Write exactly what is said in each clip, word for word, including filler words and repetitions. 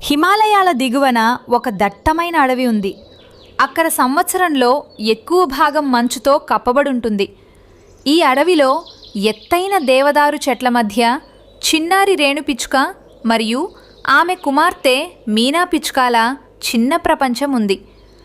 హిమాలయాల దిగువన ఒక దట్టమైన అడవి ఉంది. అక్కడ సంవత్సరంలో ఎక్కువ భాగం మంచుతో కప్పబడుంటుంది. ఈ అడవిలో ఎత్తైన దేవదారు చెట్ల మధ్య చిన్నారి రేణు పిచ్చుక మరియు ఆమె కుమార్తె మీనా పిచ్చుకాల చిన్న ప్రపంచం ఉంది.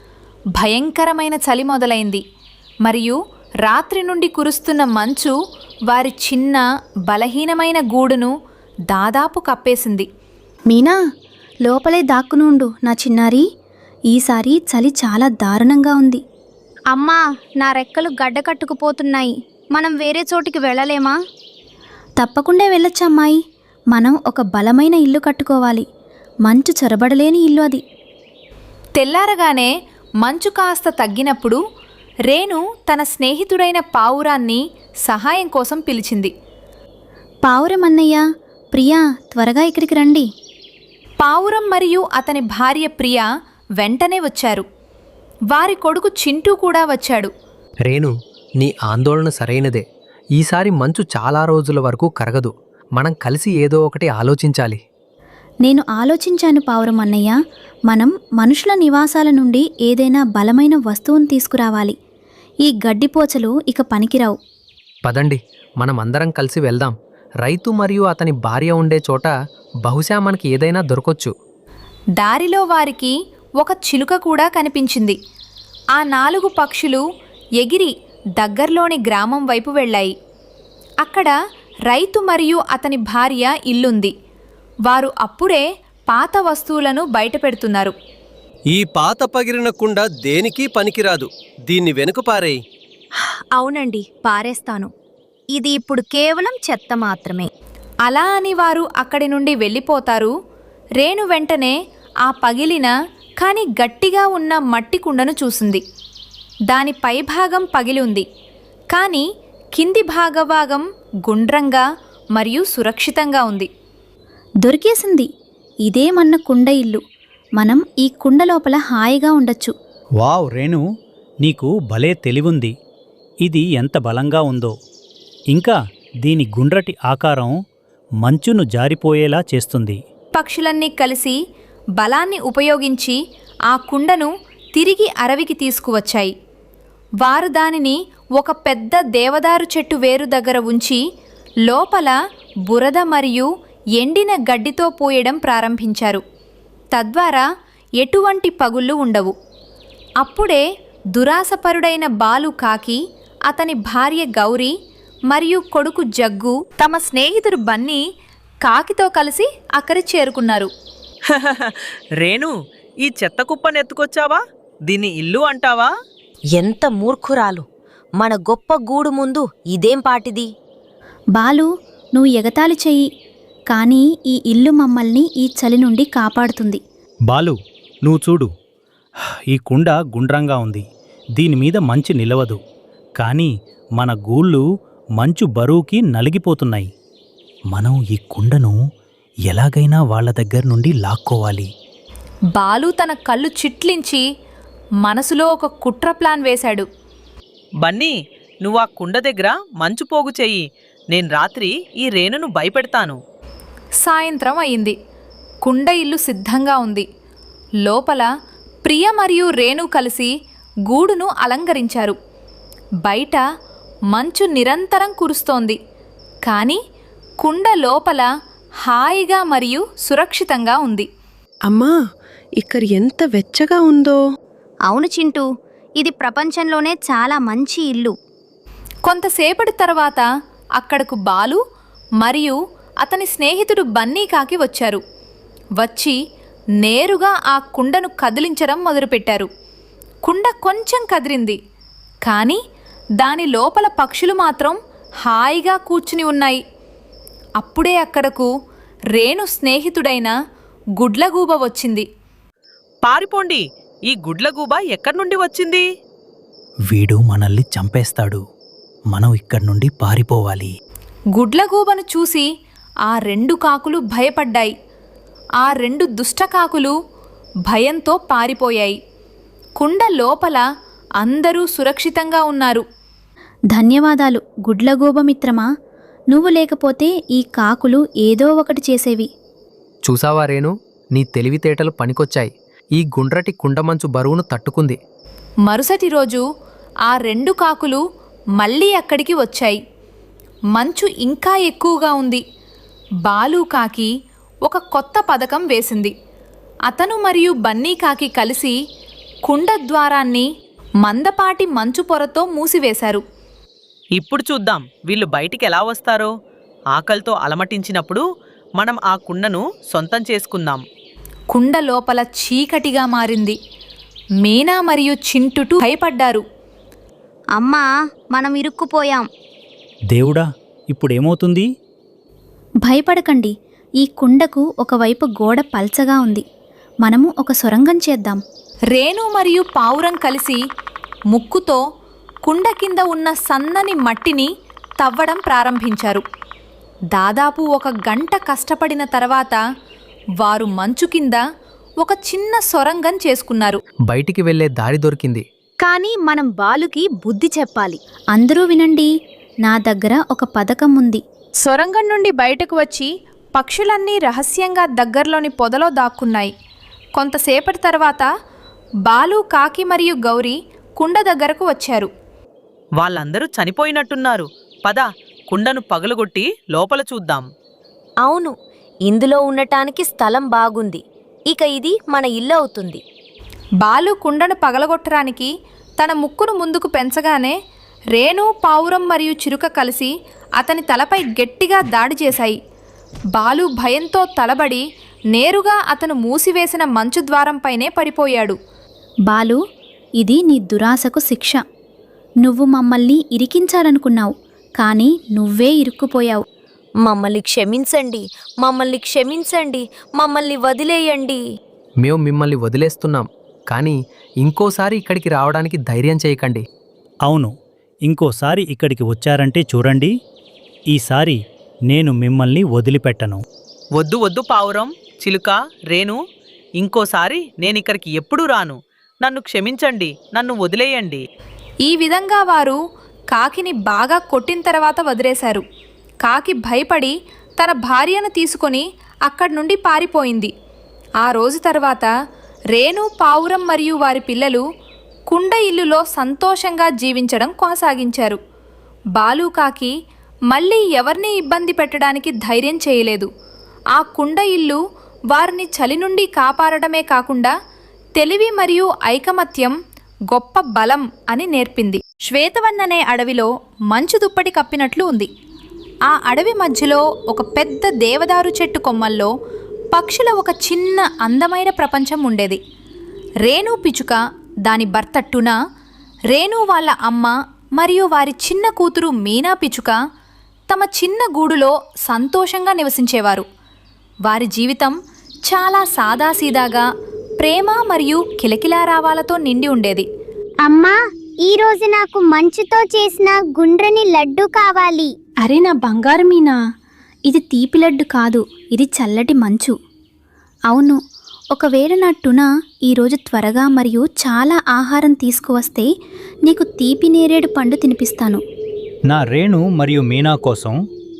భయంకరమైన చలి మొదలైంది మరియు రాత్రి నుండి కురుస్తున్న మంచు వారి చిన్న బలహీనమైన గూడును దాదాపు కప్పేసింది. మీనా, లోపలే దాక్కునుండు నా చిన్నారి. ఈసారి చలి చాలా దారుణంగా ఉంది. అమ్మా, నా రెక్కలు గడ్డ కట్టుకుపోతున్నాయి. మనం వేరే చోటికి వెళ్ళలేమా? తప్పకుండా వెళ్ళొచ్చమ్మాయి. మనం ఒక బలమైన ఇల్లు కట్టుకోవాలి. మంచు చొరబడలేని ఇల్లు అది. తెల్లారగానే మంచు కాస్త తగ్గినప్పుడు రేణు తన స్నేహితుడైన పావురాన్ని సహాయం కోసం పిలిచింది. పావురం అన్నయ్య, ప్రియా, త్వరగా ఇక్కడికి రండి. పావురం మరియు అతని భార్య ప్రియా వెంటనే వచ్చారు. వారి కొడుకు చింటూ కూడా వచ్చాడు. రేణు, నీ ఆందోళన సరైనదే. ఈసారి మంచు చాలా రోజుల వరకు కరగదు. మనం కలిసి ఏదో ఒకటి ఆలోచించాలి. నేను ఆలోచించాను పావురం అన్నయ్య. మనం మనుషుల నివాసాల నుండి ఏదైనా బలమైన వస్తువును తీసుకురావాలి. ఈ గడ్డిపోచలు ఇక పనికిరావు. పదండి, మనం అందరం కలిసి వెళ్దాం. రైతు మరియు అతని భార్య ఉండే చోట బహుశా మనకి ఏదైనా దొరకొచ్చు. దారిలో వారికి ఒక చిలుక కూడా కనిపించింది. ఆ నాలుగు పక్షులు ఎగిరి దగ్గర్లోని గ్రామం వైపు వెళ్ళాయి. అక్కడ రైతు మరియు అతని భార్య ఇల్లుంది. వారు అప్పుడే పాత వస్తువులను బయటపెడుతున్నారు. ఈ పాత పగిరిన కుండ దేనికి పనికిరాదు. దీన్ని వెనుక పారేయ్. అవునండి, పారేస్తాను. ఇది ఇప్పుడు కేవలం చెత్త మాత్రమే. అలా అని వారు అక్కడి నుండి వెళ్ళిపోతారు. రేణు వెంటనే ఆ పగిలిన కానీ గట్టిగా ఉన్న మట్టి కుండను చూసింది. దాని పైభాగం పగిలి ఉంది, కానీ కింది భాగభాగం గుండ్రంగా మరియు సురక్షితంగా ఉంది. దొరికేసింది. ఇదే మన కుండ ఇల్లు. మనం ఈ కుండ లోపల హాయిగా ఉండొచ్చు. వావ్ రేణు, నీకు భలే తెలివుంది. ఇది ఎంత బలంగా ఉందో. ఇంకా దీని గుండ్రటి ఆకారం మంచును జారిపోయేలా చేస్తుంది. పక్షులన్నీ కలిసి బలాన్ని ఉపయోగించి ఆ కుండను తిరిగి అడవికి తీసుకువచ్చాయి. వారు దానిని ఒక పెద్ద దేవదారు చెట్టు వేరు దగ్గర ఉంచి లోపల బురద మరియు ఎండిన గడ్డితో పోయడం ప్రారంభించారు. తద్వారా ఎటువంటి పగుళ్ళు ఉండవు. అప్పుడే దురాసపరుడైన బాలు కాకి, అతని భార్య గౌరీ మరియు కొడుకు జగ్గు తమ స్నేహితుడు బన్నీ కాకితో కలిసి అక్కడి చేరుకున్నారు. రేణు, ఈ చెత్త కుప్పను ఎత్తుకొచ్చావా? దీన్ని ఇల్లు అంటావా? ఎంత మూర్ఖురాలు! మన గొప్ప గూడు ముందు ఇదేం పాటిది? బాలు, నువ్వు ఎగతాళి చెయ్యి, కానీ ఈ ఇల్లు మమ్మల్ని ఈ చలి నుండి కాపాడుతుంది. బాలు, నువ్వు చూడు. ఈ కుండ గుండ్రంగా ఉంది. దీనిమీద మంచు నిలవదు. కానీ మన గూళ్ళు మంచు బరువుకి నలిగిపోతున్నాయి. మనం ఈ కుండను ఎలాగైనా వాళ్ళ దగ్గర నుండి లాక్కోవాలి. బాలు తన కళ్ళు చిట్లించి మనసులో ఒక కుట్ర ప్లాన్ వేశాడు. బన్నీ, నువ్వు ఆ కుండ దగ్గర మంచు పోగు చెయ్యి. నేను రాత్రి ఈ రేణును భయపెడతాను. సాయంత్రం అయింది. కుండ ఇల్లు సిద్ధంగా ఉంది. లోపల ప్రియ మరియు రేణు కలిసి గూడును అలంకరించారు. బయట మంచు నిరంతరం కురుస్తోంది, కానీ కుండ లోపల హాయిగా మరియు సురక్షితంగా ఉంది. అమ్మా, ఇక్కడ ఎంత వెచ్చగా ఉందో. అవును చింటూ, ఇది ప్రపంచంలోనే చాలా మంచి ఇల్లు. కొంతసేపటి తర్వాత అక్కడకు బాలు మరియు అతని స్నేహితుడు బన్నీ కాకి వచ్చారు. వచ్చి నేరుగా ఆ కుండను కదిలించడం మొదలుపెట్టారు. కుండ కొంచెం కదిలింది, కానీ దాని లోపల పక్షులు మాత్రం హాయిగా కూర్చుని ఉన్నాయి. అప్పుడే అక్కడకు రేణు స్నేహితుడైన గుడ్లగూబ వచ్చింది. పారిపోండి! ఈ గుడ్లగూబ ఎక్కడి నుండి వచ్చింది? వీడు మనల్ని చంపేస్తాడు. మనం ఇక్కడి నుండి పారిపోవాలి. గుడ్లగూబను చూసి ఆ రెండు కాకులు భయపడ్డాయి. ఆ రెండు దుష్టకాకులు భయంతో పారిపోయాయి. కుండ లోపల అందరూ సురక్షితంగా ఉన్నారు. ధన్యవాదాలు గుడ్లగూబమిత్రమా. నువ్వు లేకపోతే ఈ కాకులు ఏదో ఒకటి చేసేవి. చూసావా రేణు, నీ తెలివితేటలు పనికొచ్చాయి. ఈ గుండ్రటి కుండమంచు బరువును తట్టుకుంది. మరుసటి రోజు ఆ రెండు కాకులు మళ్ళీ అక్కడికి వచ్చాయి. మంచు ఇంకా ఎక్కువగా ఉంది. బాలు కాకి ఒక కొత్త పథకం వేసింది. అతను మరియు బన్నీ కాకి కలిసి కుండ ద్వారాన్ని మందపాటి మంచు పొరతో మూసివేశారు. ఇప్పుడు చూద్దాం వీళ్ళు బయటికి ఎలా వస్తారో. ఆకలితో అలమటించినప్పుడు మనం ఆ కుండను సొంతం చేసుకుందాం. కుండ లోపల చీకటిగా మారింది. మీనా మరియు చింటుటు భయపడ్డారు. అమ్మా మనం ఇరుక్కుపోయాం. దేవుడా, ఇప్పుడేమవుతుంది? భయపడకండి, ఈ కుండకు ఒకవైపు గోడ పల్చగా ఉంది. మనము ఒక సొరంగం చేద్దాం. రేణు మరియు పావురం కలిసి ముక్కుతో కుండ కింద ఉన్న సన్నని మట్టిని తవ్వడం ప్రారంభించారు. దాదాపు ఒక గంట కష్టపడిన తర్వాత వారు మంచు కింద ఒక చిన్న సొరంగం చేసుకున్నారు. బయటికి వెళ్లే దారి దొరికింది. కానీ మనం బాలుకి బుద్ధి చెప్పాలి. అందరూ వినండి, నా దగ్గర ఒక పథకం ఉంది. సొరంగం నుండి బయటకు వచ్చి పక్షులన్నీ రహస్యంగా దగ్గరలోని పొదలో దాక్కున్నాయి. కొంతసేపటి తర్వాత బాలు, కాకి మరియు గౌరీ కుండ దగ్గరకు వచ్చారు. వాళ్ళందరూ చనిపోయినట్టున్నారు. పద, కుండను పగలగొట్టి లోపల చూద్దాం. అవును, ఇందులో ఉండటానికి స్థలం బాగుంది. ఇక ఇది మన ఇల్లు అవుతుంది. బాలు కుండను పగలగొట్టడానికి తన ముక్కును ముందుకు పెంచగానే రేణు, పావురం మరియు చిరుక కలిసి అతని తలపై గట్టిగా దాడి చేశాయి. బాలు భయంతో తలబడి నేరుగా అతను మూసివేసిన మంచు ద్వారంపైనే పడిపోయాడు. బాలు, ఇది నీ దురాశకు శిక్ష. నువ్వు మమ్మల్ని ఇరికించాలనుకున్నావు, కానీ నువ్వే ఇరుక్కుపోయావు. మమ్మల్ని క్షమించండి, మమ్మల్ని క్షమించండి, మమ్మల్ని వదిలేయండి. మేము మిమ్మల్ని వదిలేస్తున్నాం, కానీ ఇంకోసారి ఇక్కడికి రావడానికి ధైర్యం చేయకండి. అవును, ఇంకోసారి ఇక్కడికి వచ్చారంటే చూడండి, ఈసారి నేను మిమ్మల్ని వదిలిపెట్టను. వద్దు వద్దు పావురం, చిలుక, రేణు, ఇంకోసారి నేనిక్కడికి ఎప్పుడూ రాను. నన్ను క్షమించండి, నన్ను వదిలేయండి. ఈ విధంగా వారు కాకిని బాగా కొట్టిన తర్వాత వదిలేశారు. కాకి భయపడి తన భార్యను తీసుకొని అక్కడి నుండి పారిపోయింది. ఆ రోజు తర్వాత రేణు, పావురం మరియు వారి పిల్లలు కుండ ఇల్లులో సంతోషంగా జీవించడం కొనసాగించారు. బాలు కాకి మళ్ళీ ఎవరిని ఇబ్బంది పెట్టడానికి ధైర్యం చేయలేదు. ఆ కుండ ఇల్లు వారిని చలి నుండి కాపాడడమే కాకుండా తెలివి మరియు ఐకమత్యం గొప్ప బలం అని నేర్పింది. శ్వేతవన్ అనే అడవిలో మంచు దుప్పటి కప్పినట్లు ఉంది. ఆ అడవి మధ్యలో ఒక పెద్ద దేవదారు చెట్టు కొమ్మల్లో పక్షుల ఒక చిన్న అందమైన ప్రపంచం ఉండేది. రేణు పిచుక, దాని భర్త టునా, రేణు వాళ్ళ అమ్మ మరియు వారి చిన్న కూతురు మీనా పిచుక తమ చిన్న గూడులో సంతోషంగా నివసించేవారు. వారి జీవితం చాలా సాదాసీదాగా ప్రేమ మరియు కిలకిలారావాలతో నిండి ఉండేది. అమ్మా, ఈరోజు నాకు మంచుతో చేసిన గుండ్రని లడ్డు కావాలి. అరే నా బంగారు మీనా, ఇది తీపి లడ్డు కాదు, ఇది చల్లటి మంచు. అవును, ఒకవేళ నా టునా ఈరోజు త్వరగా మరియు చాలా ఆహారం తీసుకువస్తే నీకు తీపి నేరేడు పండు తినిపిస్తాను. నా రేణు మరియు మీనా కోసం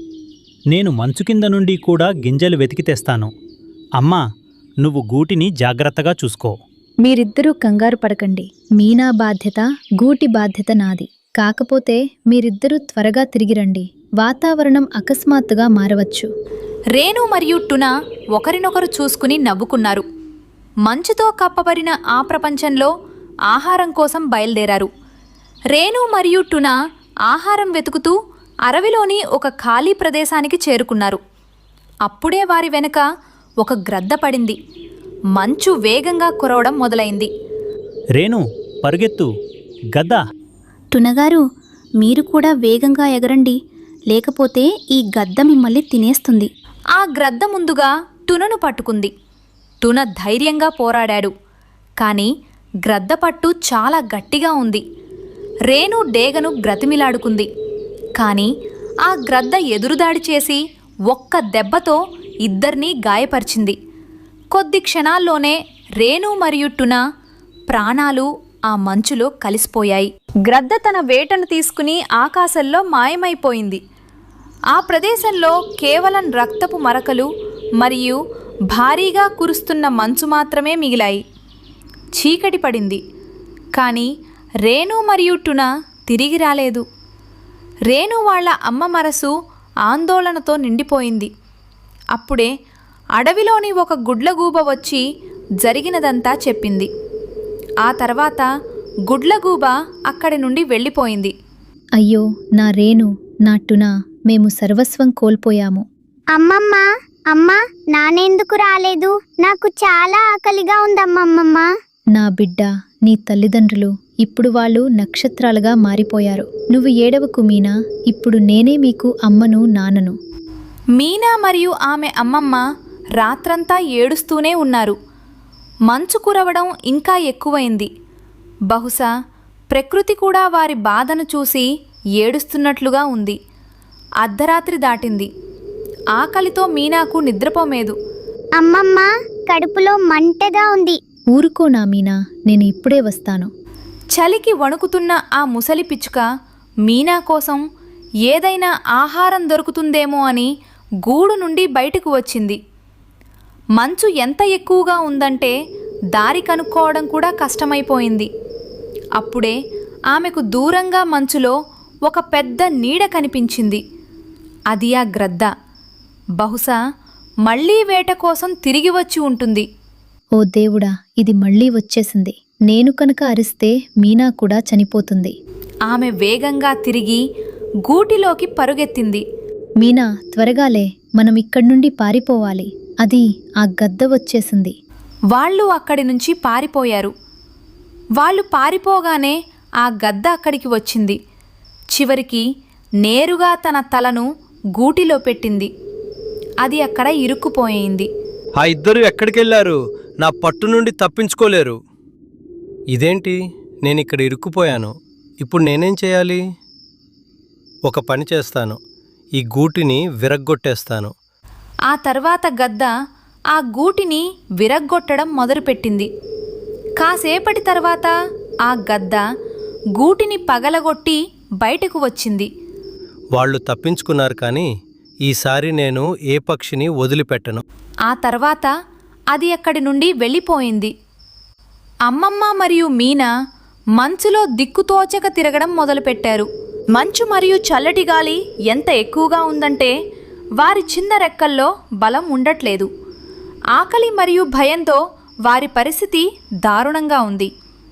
నేను మంచు కింద నుండి కూడా గింజలు వెతికి తెస్తాను. అమ్మా, నువ్వు గూటిని జాగ్రత్తగా చూసుకో. మీరిద్దరూ కంగారు పడకండి. మీనా బాధ్యత, గూటి బాధ్యత నాది. కాకపోతే మీరిద్దరూ త్వరగా తిరిగి రండి. వాతావరణం అకస్మాత్తుగా మారవచ్చు. రేణు మరియు టునా ఒకరినొకరు చూసుకుని నవ్వుకున్నారు. మంచుతో కప్పబడిన ఆ ప్రపంచంలో ఆహారం కోసం బయలుదేరారు. రేణు మరియు టునా ఆహారం వెతుకుతూ అడవిలోని ఒక ఖాళీ ప్రదేశానికి చేరుకున్నారు. అప్పుడే వారి వెనుక ఒక గ్రద్ద పడింది. మంచు వేగంగా కురవడం మొదలైంది. రేణు, పరుగెత్తు, గద్ద. టునగారు, మీరు కూడా వేగంగా ఎగరండి, లేకపోతే ఈ గద్ద మిమ్మల్ని తినేస్తుంది. ఆ గ్రద్ద ముందుగా టునను పట్టుకుంది. టున ధైర్యంగా పోరాడాడు, కానీ గ్రద్ద పట్టు చాలా గట్టిగా ఉంది. రేణు డేగను బ్రతిమిలాడుకుంది, కానీ ఆ గ్రద్ద ఎదురుదాడి చేసి ఒక్క దెబ్బతో ఇద్దరినీ గాయపరిచింది. కొద్ది క్షణాల్లోనే రేణు మరియు టున ప్రాణాలు ఆ మంచులో కలిసిపోయాయి. గ్రద్ద తన వేటను తీసుకుని ఆకాశంలో మాయమైపోయింది. ఆ ప్రదేశంలో కేవలం రక్తపు మరకలు మరియు భారీగా కురుస్తున్న మంచు మాత్రమే మిగిలాయి. చీకటి పడింది. కానీ రేణు మరియు టున తిరిగి రాలేదు. రేణు వాళ్ళ అమ్మ మనసు ఆందోళనతో నిండిపోయింది. అప్పుడే అడవిలోని ఒక గుడ్లగూబ వచ్చి జరిగినదంతా చెప్పింది. ఆ తర్వాత గుడ్లగూబ అక్కడి నుండి వెళ్ళిపోయింది. అయ్యో నా రేణు, నా టునా, మేము సర్వస్వం కోల్పోయాము. అమ్మమ్మ అమ్మ నానెందుకు రాలేదు? నాకు చాలా ఆకలిగా ఉందమ్మమ్మమ్మ. నా బిడ్డ, నీ తల్లిదండ్రులు ఇప్పుడు వాళ్ళు నక్షత్రాలుగా మారిపోయారు. నువ్వు ఏడవకు మీనా, ఇప్పుడు నేనే మీకు అమ్మను నాన్నను. మీనా మరియు ఆమె అమ్మమ్మ రాత్రంతా ఏడుస్తూనే ఉన్నారు. మంచు కురవడం ఇంకా ఎక్కువైంది. బహుశా ప్రకృతి కూడా వారి బాధను చూసి ఏడుస్తున్నట్లుగా ఉంది. అర్ధరాత్రి దాటింది. ఆకలితో మీనాకు నిద్రపోమేదు. అమ్మమ్మ కడుపులో మంటగా ఉంది. ఊరుకో నా మీనా, నేను ఇప్పుడే వస్తాను. చలికి వణుకుతున్న ఆ ముసలి పిచ్చుక మీనా కోసం ఏదైనా ఆహారం దొరుకుతుందేమో అని గూడు నుండి బయటకు వచ్చింది. మంచు ఎంత ఎక్కువగా ఉందంటే దారి కనుక్కోవడం కూడా కష్టమైపోయింది. అప్పుడే ఆమెకు దూరంగా మంచులో ఒక పెద్ద నీడ కనిపించింది. అది ఆ గ్రద్ద. బహుశా మళ్లీ వేట కోసం తిరిగి వచ్చి ఉంటుంది. ఓ దేవుడా, ఇది మళ్ళీ వచ్చేసింది. నేను కనుక అరిస్తే మీనా కూడా చనిపోతుంది. ఆమె వేగంగా తిరిగి గూటిలోకి పరుగెత్తింది. మీనా, త్వరగాలే, మనం ఇక్కడి నుండి పారిపోవాలి. అది ఆ గద్ద వచ్చేసింది. వాళ్ళు అక్కడి నుంచి పారిపోయారు. వాళ్ళు పారిపోగానే ఆ గద్ద అక్కడికి వచ్చింది. చివరికి నేరుగా తన తలను గూటిలో పెట్టింది. అది అక్కడ ఇరుక్కుపోయింది. ఆ ఇద్దరు ఎక్కడికెళ్లారు? నా పట్టు నుండి తప్పించుకోలేరు. ఇదేంటి, నేను ఇక్కడ ఇరుక్కుపోయాను. ఇప్పుడు నేనేం చేయాలి? ఒక పని చేస్తాను, ఈ గూటిని విరగ్గొట్టేస్తాను. ఆ తర్వాత గద్ద ఆ గూటిని విరగ్గొట్టడం మొదలుపెట్టింది. కాసేపటి తర్వాత ఆ గద్ద గూటిని పగలగొట్టి బయటకు వచ్చింది. వాళ్ళు తప్పించుకున్నారు, కానీ ఈసారి నేను ఏ పక్షిని వదిలిపెట్టను. ఆ తర్వాత అది అక్కడి నుండి వెళ్ళిపోయింది. అమ్మమ్మ మరియు మీనా మంచులో దిక్కుతోచక తిరగడం మొదలుపెట్టారు. మంచు మరియు చల్లటి గాలి ఎంత ఎక్కువగా ఉందంటే వారి చిన్న రెక్కల్లో బలం ఉండట్లేదు. ఆకలి మరియు భయంతో వారి పరిస్థితి దారుణంగా ఉంది.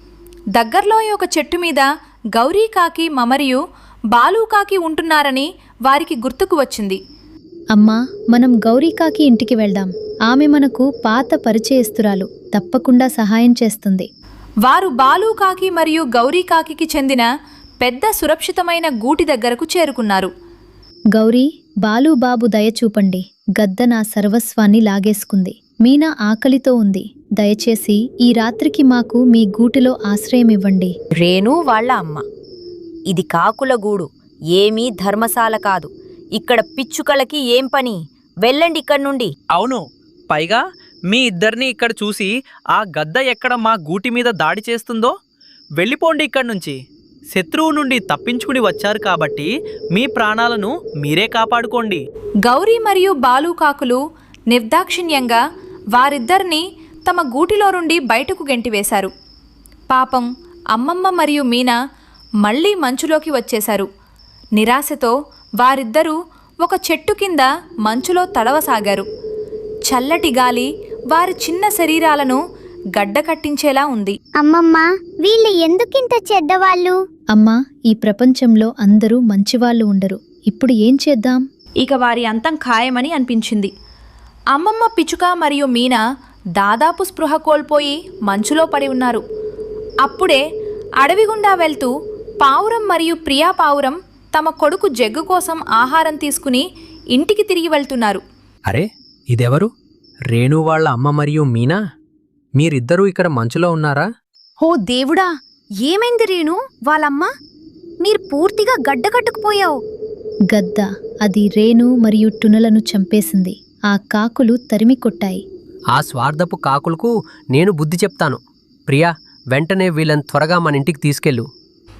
దగ్గరలో ఒక చెట్టు మీద గౌరీకాకి మమరియు బాలూకాకి ఉంటున్నారని వారికి గుర్తుకు వచ్చింది. అమ్మా, మనం గౌరీకాకి ఇంటికి వెళ్దాం. ఆమె మనకు పాత పరిచయస్తురాలు, తప్పకుండా సహాయం చేస్తుంది. వారు బాలూకాకి మరియు గౌరీకాకి చెందిన పెద్ద సురక్షితమైన గూటి దగ్గరకు చేరుకున్నారు. గౌరీ, బాలుబాబు దయ చూపండి. గద్ద నా సర్వస్వాన్ని లాగేసుకుంది. మీనా ఆకలితో ఉంది. దయచేసి ఈ రాత్రికి మాకు మీ గూటిలో ఆశ్రయమివ్వండి. రేణు వాళ్ళ అమ్మ, ఇది కాకుల గూడు, ఏమీ ధర్మశాల కాదు. ఇక్కడ పిచ్చుకలకి ఏం పని? వెళ్ళండి ఇక్కడి నుండి. అవును, పైగా మీ ఇద్దరిని ఇక్కడ చూసి ఆ గద్ద ఎక్కడ మా గూటి మీద దాడి చేస్తుందో. వెళ్ళిపోండి ఇక్కడి నుంచి. శత్రువు నుండి తప్పించుకుని వచ్చారు కాబట్టి మీ ప్రాణాలను మీరే కాపాడుకోండి. గౌరీ మరియు బాలూకాకులు నిర్దాక్షిణ్యంగా వారిద్దరిని తమ గూటిలో నుండి బయటకు గెంటివేశారు. పాపం అమ్మమ్మ మరియు మీనా మళ్లీ మంచులోకి వచ్చేశారు. నిరాశతో వారిద్దరూ ఒక చెట్టు కింద మంచులో తడవసాగారు. చల్లటి గాలి వారి చిన్న శరీరాలను గడ్డకట్టించేలా ఉంది. అమ్మమ్మ, వీళ్ళు ఎందుకింత చెడ్డవాళ్ళు? అమ్మా, ఈ ప్రపంచంలో అందరూ మంచివాళ్ళు ఉండరు. ఇప్పుడు ఏం చేద్దాం? ఇక వారి అంతం ఖాయమని అనిపించింది. అమ్మమ్మ పిచ్చుక మరియు మీనా దాదాపు స్పృహ కోల్పోయి మంచులో పడి ఉన్నారు. అప్పుడే అడవి గుండా వెళ్తూ పావురం మరియు ప్రియా పావురం తమ కొడుకు జగ్గు కోసం ఆహారం తీసుకుని ఇంటికి తిరిగి వెళ్తున్నారు. అరే, ఇదెవరు? రేణు వాళ్ళ అమ్మ మరియు మీనా, మీరిద్దరూ ఇక్కడ మంచులో ఉన్నారా? ఓ దేవుడా, ఏమైంది రేణు వాళ్ళమ్మ? మీరు పూర్తిగా గడ్డకట్టుకుపోయావు. గద్ద, అది రేణు మరియు టునలను చంపేసింది. ఆ కాకులు తరిమి కొట్టాయి. ఆ స్వార్థపు కాకులకు నేను బుద్ధి చెప్తాను. ప్రియా, వెంటనే వీళ్ళని త్వరగా మన ఇంటికి తీసుకెళ్ళు.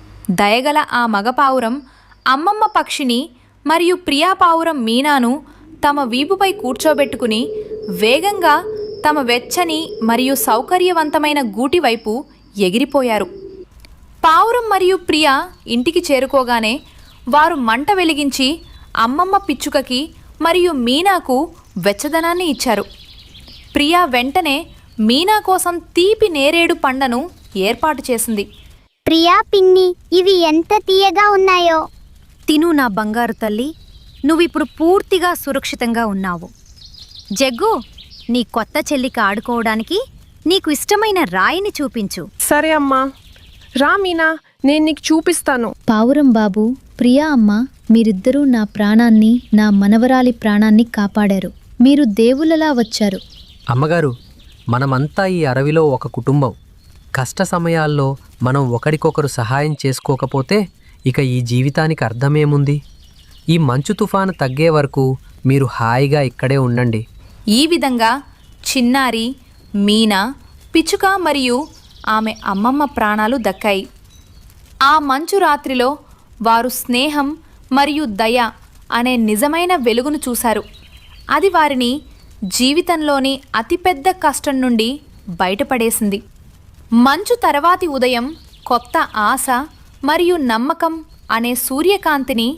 దయగల ఆ మగపావురం అమ్మమ్మ పక్షిని మరియు ప్రియా పావురం మీనాను తమ వీపుపై కూర్చోబెట్టుకుని వేగంగా తమ వెచ్చని మరియు సౌకర్యవంతమైన గూటి వైపు ఎగిరిపోయారు. పావురం మరియు ప్రియ ఇంటికి చేరుకోగానే వారు మంట వెలిగించి అమ్మమ్మ పిచ్చుకకి మరియు మీనాకు వెచ్చదనాన్ని ఇచ్చారు. ప్రియా వెంటనే మీనా కోసం తీపి నేరేడు పండ్లను ఏర్పాటు చేసింది. ప్రియా పిన్ని, ఇవి ఎంత తీయగా ఉన్నాయో. తిను నా బంగారు తల్లి, నువ్విప్పుడు పూర్తిగా సురక్షితంగా ఉన్నావు. జగ్గు, నీ కొత్త చెల్లికి ఆడుకోవడానికి నీకు ఇష్టమైన రాయిని చూపించు. సరే అమ్మా, రా మీనా, నేను నీకు చూపిస్తాను. పావురం బాబు, ప్రియా అమ్మ, మీరిద్దరూ నా ప్రాణాన్ని, నా మనవరాలి ప్రాణాన్ని కాపాడారు. మీరు దేవులలా వచ్చారు. అమ్మగారు, మనమంతా ఈ అడవిలో ఒక కుటుంబం. కష్ట సమయాల్లో మనం ఒకరికొకరు సహాయం చేసుకోకపోతే ఇక ఈ జీవితానికి అర్థమేముంది? ఈ మంచు తుఫాను తగ్గే వరకు మీరు హాయిగా ఇక్కడే ఉండండి. ఈ విధంగా చిన్నారి, మీనా, పిచ్చుక మరియు ఆమె అమ్మమ్మ ప్రాణాలు దక్కాయి. ఆ మంచు రాత్రిలో వారు స్నేహం మరియు దయ అనే నిజమైన వెలుగును చూశారు. అది వారిని జీవితంలోని అతిపెద్ద కష్టం నుండి బయటపడేసింది. మంచు తర్వాతి ఉదయం కొత్త ఆశ మరియు నమ్మకం అనే సూర్యకాంతిని